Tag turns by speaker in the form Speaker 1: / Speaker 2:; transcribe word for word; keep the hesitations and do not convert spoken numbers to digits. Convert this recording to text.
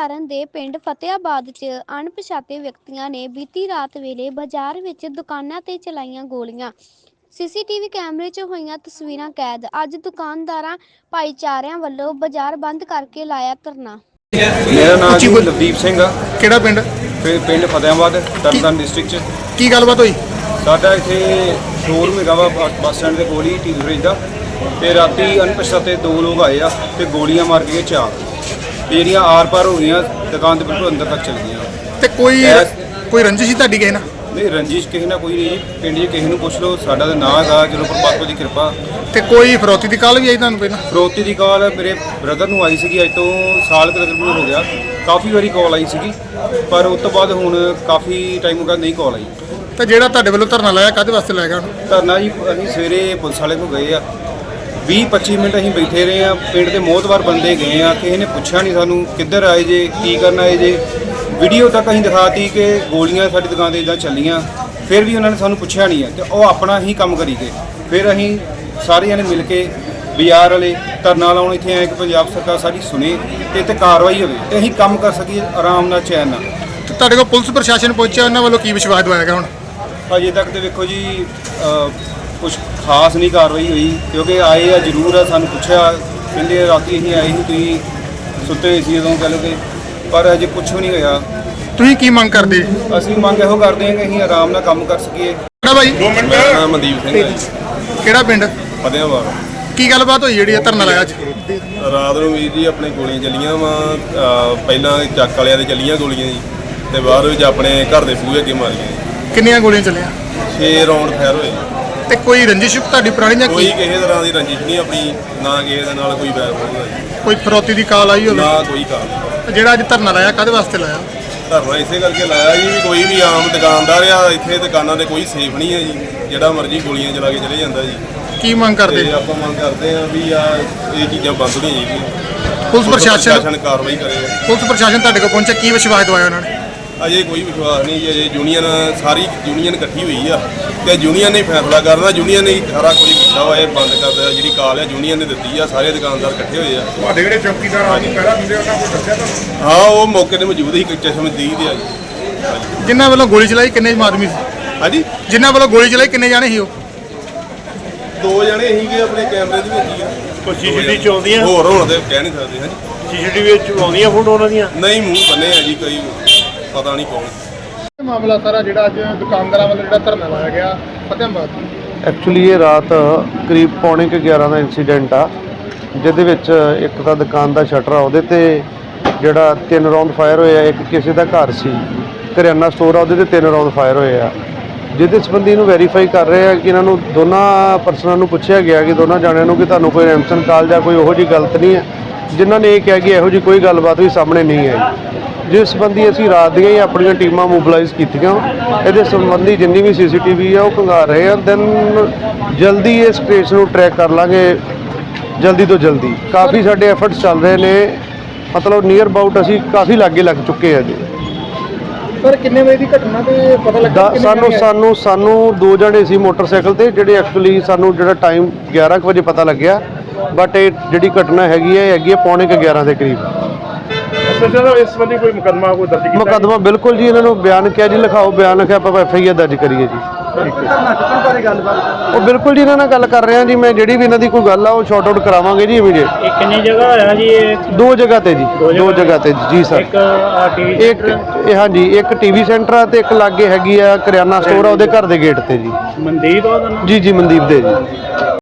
Speaker 1: ਤਰਨਤਾਰਨ ਦੇ ਪਿੰਡ ਫਤਿਆਬਾਦ 'ਚ ਅਣਪਛਾਤੇ ਵਿਅਕਤੀਆਂ ਨੇ ਬੀਤੀ ਰਾਤ ਵੇਲੇ ਬਾਜ਼ਾਰ ਵਿੱਚ ਦੁਕਾਨਾਂ ਤੇ ਚਲਾਈਆਂ ਗੋਲੀਆਂ। ਸੀਸੀਟੀਵੀ ਕੈਮਰੇ 'ਚ ਹੋਈਆਂ ਤਸਵੀਰਾਂ ਕੈਦ। ਅੱਜ ਦੁਕਾਨਦਾਰਾਂ ਭਾਈਚਾਰਿਆਂ ਵੱਲੋਂ ਬਾਜ਼ਾਰ ਬੰਦ ਕਰਕੇ ਲਾਇਆ ਧਰਨਾ।
Speaker 2: मेरा नाम जी लवदीप सिंह आ।
Speaker 3: ਕਿਹੜਾ ਪਿੰਡ?
Speaker 2: ਪਿੰਡ ਫਤਿਆਬਾਦ ਤਰਨਤਾਰਨ ਡਿਸਟ੍ਰਿਕਟ ਚ।
Speaker 3: ਕੀ ਗੱਲਬਾਤ ਹੋਈ?
Speaker 2: ਸਾਡਾ ਇੱਥੇ ਸ਼ੋਰੂਮ ਹੈਗਾ ਵਾ ਬੱਸ ਸਟੈਂਡ ਦੇ ਕੋਲ ਹੀ ਟੀ ਫਰਿੱਜ ਦਾ, ਤੇ ਰਾਤੀ ਅਣਪਛਾਤੇ ਦੋ ਲੋਕ ਆਏ ਆ ਤੇ ਗੋਲੀਆਂ ਮਾਰ ਕੇ ਚਾਰ, ਤੇ ਜਿਹੜੀਆਂ ਆਰ ਪਾਰ ਹੋ ਗਈਆਂ ਦੁਕਾਨ ਦੇ ਬਿਲਕੁਲ ਅੰਦਰ ਤੱਕ ਚਲ ਗਈਆਂ।
Speaker 3: ਤੇ ਕੋਈ ਕੋਈ ਰੰਜਿਸ਼ ਸੀ ਤੁਹਾਡੀ ਕਿਸੇ ਨਾਲ?
Speaker 2: ਨਹੀਂ, ਰੰਜਿਸ਼ ਕਿਸੇ ਨਾਲ ਕੋਈ ਨਹੀਂ ਜੀ। ਪਿੰਡ 'ਚ ਕਿਸੇ ਨੂੰ ਪੁੱਛ ਲਓ, ਸਾਡਾ ਤਾਂ ਨਾਂ ਹੈਗਾ ਚਲੋ ਪਰਮਾਤਮਾ ਦੀ ਕਿਰਪਾ।
Speaker 3: ਤੇ ਕੋਈ ਫਰੋਤੀ ਦੀ ਕਾਲ ਵੀ ਆਈ ਤੁਹਾਨੂੰ ਪਹਿਲਾਂ?
Speaker 2: ਫਰੋਤੀ ਦੀ ਕਾਲ ਮੇਰੇ ਬ੍ਰਦਰ ਨੂੰ ਆਈ ਸੀਗੀ, ਅੱਜ ਤੋਂ ਸਾਲ ਕੁ ਤਕਰੀਬਨ ਹੋ ਗਿਆ। ਕਾਫੀ ਵਾਰੀ ਕਾਲ ਆਈ ਸੀਗੀ, ਪਰ ਉਸ ਤੋਂ ਬਾਅਦ ਹੁਣ ਕਾਫੀ ਟਾਈਮ ਹੋ ਗਿਆ ਨਹੀਂ ਕਾਲ ਆਈ।
Speaker 3: ਤੇ ਜਿਹੜਾ ਤੁਹਾਡੇ ਵੱਲੋਂ ਧਰਨਾ ਲਾਇਆ ਕਾਹਦੇ ਵਾਸਤੇ ਲਾਇਆ ਗਿਆ?
Speaker 2: ਧਰਨਾ ਜੀ ਅਸੀਂ ਸਵੇਰੇ ਪੁਲਿਸ ਵਾਲੇ ਕੋਲ ਗਏ ਆ, ਵੀਹ ਪੱਚੀ ਮਿੰਟ ਅਸੀਂ ਬੈਠੇ ਰਹੇ ਆ। ਪਿੰਡ ਦੇ ਮੋਹਤਵਾਰ ਬੰਦੇ ਗਏ ਆ, ਕਿਸੇ ਨੇ ਪੁੱਛਿਆ ਨਹੀਂ ਸਾਨੂੰ ਕਿੱਧਰ ਆਏ ਜੇ, ਕੀ ਕਰਨ ਆਏ ਜੇ। ਵੀਡੀਓ ਤੱਕ ਅਸੀਂ ਦਿਖਾਤੀ ਕਿ ਗੋਲੀਆਂ ਸਾਡੀ ਦੁਕਾਨ 'ਤੇ ਇੱਦਾਂ ਚੱਲੀਆਂ, ਫਿਰ ਵੀ ਉਹਨਾਂ ਨੇ ਸਾਨੂੰ ਪੁੱਛਿਆ ਨਹੀਂ ਹੈ ਤੇ ਉਹ ਆਪਣਾ ਹੀ ਕੰਮ ਕਰੀ ਗਏ। ਫਿਰ ਅਸੀਂ ਸਾਰੇ ਜਣੇ ਮਿਲ ਕੇ ਬਾਜ਼ਾਰ ਵਾਲੇ ਧਰਨਾ ਲਾਉਣ ਇੱਥੇ ਆਏ ਕਿ ਪੰਜਾਬ ਸਰਕਾਰ ਸਾਡੀ ਸੁਣੇ ਤੇ ਇੱਥੇ ਕਾਰਵਾਈ ਹੋਵੇ ਤੇ ਅਸੀਂ ਕੰਮ ਕਰ ਸਕੀਏ ਆਰਾਮ ਨਾਲ, ਚੈਨ ਨਾਲ।
Speaker 3: ਤੇ ਤੁਹਾਡੇ ਕੋਲ ਪੁਲਿਸ ਪ੍ਰਸ਼ਾਸਨ ਪਹੁੰਚਿਆ, ਉਹਨਾਂ ਵੱਲੋਂ ਕੀ ਵਿਸ਼ਵਾਸ ਦਵਾਇਆ ਗਿਆ ਹੁਣ?
Speaker 2: ਅਜੇ ਤੱਕ ਤੇ ਵੇਖੋ ਜੀ ਕੁਛ ਖਾਸ ਨਹੀਂ ਕਾਰਵਾਈ ਹੋਈ, ਕਿਉਂਕਿ ਆਏ ਆ ਜ਼ਰੂਰ ਆ, ਸਾਨੂੰ ਪੁੱਛਿਆ, ਕਹਿੰਦੇ ਰਾਤੀ ਅਸੀਂ ਆਏ ਸੀ ਤੁਸੀਂ ਸੁੱਤੇ ਸੀ ਉਦੋਂ, ਕਹਿ ਲਓ ਕਿ, ਪਰ ਅਜੇ ਕੁਛ ਵੀ ਨਹੀਂ ਹੋਇਆ।
Speaker 3: ਤੁਸੀਂ ਕੀ ਮੰਗ ਕਰਦੇ?
Speaker 2: ਅਸੀਂ ਮੰਗ ਇਹੋ ਕਰਦੇ ਹਾਂ ਕਿ ਅਸੀਂ ਆਰਾਮ ਨਾਲ ਕੰਮ ਕਰ ਸਕੀਏ।
Speaker 3: ਕਿਹੜਾ ਭਾਈ?
Speaker 2: ਮੇਰਾ ਨਾਮ ਮਨਦੀਪ ਸਿੰਘ ਹੈ।
Speaker 3: ਕਿਹੜਾ ਪਿੰਡ?
Speaker 2: ਫਤਿਆਬਾਦ।
Speaker 3: ਕੀ ਗੱਲਬਾਤ ਹੋਈ ਜਿਹੜੀ ਧਰਨਾ ਲਾਇਆ ਅੱਜ?
Speaker 2: ਰਾਤ ਨੂੰ ਵੀਰ ਜੀ ਆਪਣੇ ਗੋਲੀਆਂ ਚੱਲੀਆਂ ਵਾ, ਪਹਿਲਾਂ ਚੱਕ ਵਾਲਿਆਂ ਦੇ ਚੱਲੀਆਂ ਗੋਲੀਆਂ ਜੀ, ਤੇ ਬਾਅਦ ਵਿੱਚ ਆਪਣੇ ਘਰ ਦੇ ਬੂਹੇ ਅੱਗੇ ਮਾਰੀਆਂ ਜੀ।
Speaker 3: ਕਿੰਨੀਆਂ ਗੋਲੀਆਂ ਚੱਲੀਆਂ?
Speaker 2: ਛੇ ਰਾਉਂਡ ਫਾਇਰ ਹੋਏ।
Speaker 3: ਤੇ ਕੋਈ ਰੰਜਿਸ਼ ਤੁਹਾਡੀ ਪੁਰਾਣੀ ਜਾਂ
Speaker 2: ਕੋਈ ਕਿਸੇ ਤਰ੍ਹਾਂ ਦੀ ਰੰਜਿਸ਼ ਨਹੀਂ ਆਪਣੀ, ਨਾ ਕਿਸੇ ਦੇ ਨਾਲ ਕੋਈ ਵੈਰ ਹੋਊਗਾ ਜੀ।
Speaker 3: ਕੋਈ ਫਰੋਤੀ ਦੀ ਕਾਲ ਆਈ ਹੋਵੇ?
Speaker 2: ਨਾ ਕੋਈ ਕਾਰਨ।
Speaker 3: ਜਿਹੜਾ ਅੱਜ ਧਰਨਾ ਲਾਇਆ ਕਾਹਦੇ ਵਾਸਤੇ ਲਾਇਆ?
Speaker 2: ਧਰਨਾ ਇਸੇ ਕਰਕੇ ਲਾਇਆ ਜੀ ਵੀ ਕੋਈ ਵੀ ਆਮ ਦੁਕਾਨਦਾਰ ਆ, ਇੱਥੇ ਦੁਕਾਨਾਂ ਤੇ ਕੋਈ ਸੇਫ ਨਹੀਂ ਹੈ ਜੀ, ਜਿਹੜਾ ਮਰਜ਼ੀ ਗੋਲੀਆਂ ਚਲਾ ਕੇ ਚਲੇ ਜਾਂਦਾ ਜੀ।
Speaker 3: ਕੀ ਮੰਗ ਕਰਦੇ?
Speaker 2: ਤੇ ਆਪਾਂ ਮੰਗ ਕਰਦੇ ਆ ਵੀ ਆ ਇਹ ਚੀਜ਼ਾਂ ਬੰਦ ਹੋਣੀਆਂ ਚਾਹੀਦੀਆਂ।
Speaker 3: ਪੁਲਿਸ ਪ੍ਰਸ਼ਾਸਨ
Speaker 2: ਕਾਰਵਾਈ ਕਰੇ।
Speaker 3: ਪੁਲਿਸ ਪ੍ਰਸ਼ਾਸਨ ਤੁਹਾਡੇ ਕੋਲ ਪਹੁੰਚਿਆ, ਕੀ ਵਿਸ਼ਵਾਸ ਦਵਾਇਆ ਉਹਨਾਂ ਨੇ?
Speaker 2: ਅਜੇ ਕੋਈ ਵਿਸ਼ਵਾਸ ਨਹੀਂ ਜੀ। ਅਜੇ ਯੂਨੀਅਨ ਸਾਰੀ ਯੂਨੀਅਨ ਇਕੱਠੀ ਹੋਈ ਆ ਤੇ ਯੂਨੀਅਨ ਨੇ ਫੈਸਲਾ ਕਰਨਾ, ਯੂਨੀਅਨ ਨੇ ਸਾਰਾ ਕੁਝ ਕੀਤਾ ਵਾ। ਇਹ ਬੰਦ ਕਰਦਾ ਜਿਹੜੀ ਕਾਲ ਆ ਯੂਨੀਅਨ ਨੇ ਦਿੱਤੀ ਆ, ਸਾਰੇ ਦੁਕਾਨਦਾਰ ਇਕੱਠੇ ਹੋਏ ਆ।
Speaker 3: ਤੁਹਾਡੇ ਜਿਹੜੇ ਚੌਕੀਦਾਰ ਆ ਜੀ ਪਹਿਲਾਂ ਹੁੰਦੇ ਉਹਨਾਂ ਕੋਲ ਦੱਸਿਆ ਤੁਹਾਨੂੰ?
Speaker 2: ਹਾਂ, ਉਹ ਮੌਕੇ ਤੇ ਮੌਜੂਦ ਸੀ, ਚਸ਼ਮਦੀਦ ਆ ਜੀ।
Speaker 3: ਜਿਨ੍ਹਾਂ ਵੱਲੋਂ ਗੋਲੀ ਚਲਾਈ ਕਿੰਨੇ ਆਦਮੀ ਸੀ?
Speaker 2: ਹਾਂਜੀ,
Speaker 3: ਜਿਨ੍ਹਾਂ ਵੱਲੋਂ ਗੋਲੀ ਚਲਾਈ ਕਿੰਨੇ ਜਾਣੇ ਸੀ ਉਹ?
Speaker 2: ਦੋ ਜਣੇ ਸੀਗੇ ਆਪਣੇ ਕੈਮਰੇ ਦੇ ਵਿੱਚ ਹੀ ਆ।
Speaker 4: ਕੋਈ ਸੀਸੀਟੀਵੀ ਚ ਆਉਂਦੀਆਂ?
Speaker 2: ਹੋਰ ਹੁਣ ਤੇ ਕਹਿ ਨਹੀਂ ਸਕਦੇ। ਹਾਂਜੀ,
Speaker 4: ਸੀਸੀਟੀਵੀ ਵਿੱਚ ਆਉਂਦੀਆਂ ਫੋਟੋ ਉਹਨਾਂ ਦੀਆਂ?
Speaker 2: ਨਹੀਂ, ਮੂੰਹ ਬੰਨੇ ਆ ਜੀ, ਕੋਈ ਪਤਾ ਨਹੀਂ ਕੌਣ।
Speaker 3: ਇਹ ਮਾਮਲਾ ਸਾਰਾ ਜਿਹੜਾ ਅੱਜ ਦੁਕਾਨਦਾਰਾਂ ਵੱਲੋਂ ਜਿਹੜਾ ਧਰਨਾ ਲਾਇਆ ਗਿਆ ਫਤਿਆਬਾਦ,
Speaker 5: ਐਕਚੁਅਲੀ ਇਹ ਰਾਤ ਕਰੀਬ ਪੌਣੇ ਕੁ ਗਿਆਰਾਂ ਦਾ ਇਨਸੀਡੈਂਟ ਆ, ਜਿਹਦੇ ਵਿੱਚ ਇੱਕ ਤਾਂ ਦੁਕਾਨ ਦਾ ਸ਼ਟਰ ਆ, ਉਹਦੇ ਤੇ ਜਿਹੜਾ ਤਿੰਨ ਰਾਉਂਡ ਫਾਇਰ ਹੋਏ ਆ। ਇੱਕ ਕਿਸੇ ਦਾ ਘਰ ਸੀ, ਕਰਿਆਨਾ ਸਟੋਰ ਆ, ਉਹਦੇ ਤੇ ਤਿੰਨ ਰਾਉਂਡ ਫਾਇਰ ਹੋਏ ਆ। ਜਿਹਦੇ ਸੰਬੰਧੀ ਨੂੰ ਵੈਰੀਫਾਈ ਕਰ ਰਹੇ ਆ ਕਿ ਇਹਨਾਂ ਨੂੰ ਦੋਨਾਂ ਪਰਸਨਾਂ ਨੂੰ ਪੁੱਛਿਆ ਗਿਆ ਕਿ ਦੋਨਾਂ ਜਾਣਿਆਂ ਨੂੰ ਕਿ ਤੁਹਾਨੂੰ ਕੋਈ ਰੈਮਸਨ ਕਾਲ ਜਾਂ ਕੋਈ ਉਹੋ ਜਿਹੀ ਗਲਤ ਨਹੀਂ ਹੈ, ਜਿਨ੍ਹਾਂ ਨੇ ਇਹ ਕਿਹਾ ਕਿ ਇਹੋ ਜਿਹੀ ਕੋਈ ਗੱਲਬਾਤ ਵੀ ਸਾਹਮਣੇ ਨਹੀਂ ਆਈ। ਜਿਸ ਸੰਬੰਧੀ ਅਸੀਂ ਰਾਤ ਦੀਆਂ ਹੀ ਆਪਣੀਆਂ ਟੀਮਾਂ ਮੋਬਿਲਾਈਜ਼ ਕੀਤੀਆਂ। ਇਹਦੇ ਸੰਬੰਧੀ ਜਿੰਨੀ ਵੀ ਸੀਸੀਟੀਵੀ ਆ ਉਹ ਖੰਗਾਰ ਰਹੇ ਆ। ਦੈਨ ਜਲਦੀ ਇਸ ਕੇਸ ਨੂੰ ਟਰੈਕ ਕਰ ਲਾਂਗੇ, ਜਲਦੀ ਤੋਂ ਜਲਦੀ। ਕਾਫੀ ਸਾਡੇ ਐਫਰਟਸ ਚੱਲ ਰਹੇ ਨੇ, ਮਤਲਬ ਨੀਅਰ ਅਬਾਊਟ ਅਸੀਂ ਕਾਫੀ ਲਾਗੇ ਲੱਗ ਚੁੱਕੇ ਆ ਜੀ।
Speaker 3: ਸਰ ਕਿੰਨੇ ਵਜੇ ਦੀ ਘਟਨਾ ਤੇ ਪਤਾ ਲੱਗਾ?
Speaker 5: ਸਾਨੂੰ ਸਾਨੂੰ ਸਾਨੂੰ ਦੋ ਜਣੇ ਸੀ ਮੋਟਰਸਾਈਕਲ ਤੇ, ਜਿਹੜੇ ਐਕਚੁਅਲੀ ਸਾਨੂੰ ਜਿਹੜਾ ਟਾਈਮ ਗਿਆਰਾਂ ਕੁ ਵਜੇ ਪਤਾ ਲੱਗਿਆ, ਬਟ ਇਹ ਜਿਹੜੀ ਘਟਨਾ ਹੈਗੀ ਹੈ ਹੈਗੀ ਹੈ ਪੌਣੇ ਕੁ ਗਿਆਰਾਂ ਦੇ ਕਰੀਬ।
Speaker 4: ਇਸ ਸੰਬੰਧੀ ਕੋਈ ਮੁਕੱਦਮਾ ਕੋਈ ਦਰਜ ਕੀਤਾ?
Speaker 5: ਮੁਕੱਦਮਾ ਬਿਲਕੁਲ ਜੀ, ਇਹਨਾਂ ਨੂੰ ਬਿਆਨ ਕਿਹਾ ਜੀ, ਲਿਖਾਓ ਬਿਆਨ, ਲਿਖਿਆ ਆਪਾਂ ਐਫ ਆਈ ਆਰ ਦਰਜ ਕਰੀਏ ਜੀ। ਉਹ ਬਿਲਕੁਲ ਜੀ ਇਹਨਾਂ ਨਾਲ ਗੱਲ ਕਰ ਰਹੇ ਹਾਂ ਜੀ ਮੈਂ, ਜਿਹੜੀ ਵੀ ਇਹਨਾਂ ਦੀ ਕੋਈ ਗੱਲ ਆ ਉਹ ਸ਼ਾਰਟ ਆਊਟ ਕਰਾਵਾਂਗੇ ਜੀ ਇਮੀਡੀਏਟ।
Speaker 4: ਇਹ ਕਿੰਨੀ ਜਗ੍ਹਾ ਹੋਇਆ ਜੀ?
Speaker 5: ਦੋ ਜਗ੍ਹਾ ਤੇ ਜੀ, ਦੋ ਜਗ੍ਹਾ ਤੇ ਜੀ ਸਰ।
Speaker 4: ਇੱਕ ਟੀਵੀ
Speaker 5: ਇੱਕ ਇਹ ਹਾਂਜੀ, ਇੱਕ ਟੀਵੀ ਸੈਂਟਰ ਆ ਤੇ ਇੱਕ ਲਾਗੇ ਹੈਗੀ ਆ ਕਰਿਆਨਾ ਸਟੋਰ ਆ, ਉਹਦੇ ਘਰ ਦੇ ਗੇਟ ਤੇ ਜੀ।
Speaker 4: ਮਨਦੀਪ ਉਹਦਾ ਨਾਮ?
Speaker 5: ਜੀ ਜੀ, ਮਨਦੀਪ ਦੇ ਜੀ।